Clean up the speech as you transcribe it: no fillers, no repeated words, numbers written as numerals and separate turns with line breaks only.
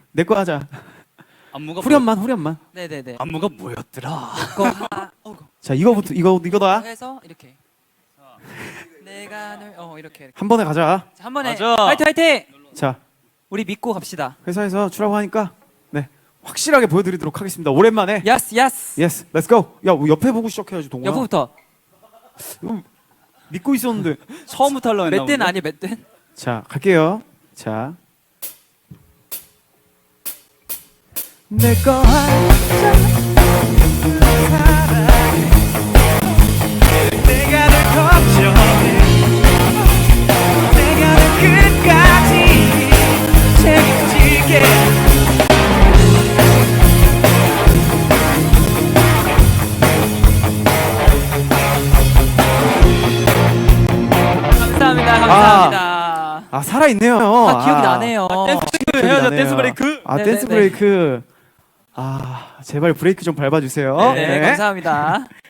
내 거 하자.
안무가
후렴만.
네네네.
안무가 뭐였더라?
자, 이거다.
해서 이렇게. 내가 널 이렇게.
한 번에 가자.
자, 한 번에
맞아.
화이팅 화이팅.
자,
우리 믿고 갑시다.
회사에서 추라고 하니까 네 확실하게 보여드리도록 하겠습니다. 오랜만에.
야스 야스.
예스, 렛츠 고. 야, 옆에 보고 시작해야지 동훈아.
여보부터.
믿고 있었는데.
처음부터 하려고 했나
맷댄
본데?
아니 맷댄.
자, 갈게요. 자. 내거 하자.
내가 널 걱정해. 내가 널 끝까지 책임질게.
감사합니다.
아, 살아있네요.
기억이 나네요.
댄스
기억이
해야죠.
나네요.
댄스 브레이크.
아,
네네네.
댄스 브레이크. 아, 제발 브레이크 좀 밟아주세요.
네, 감사합니다.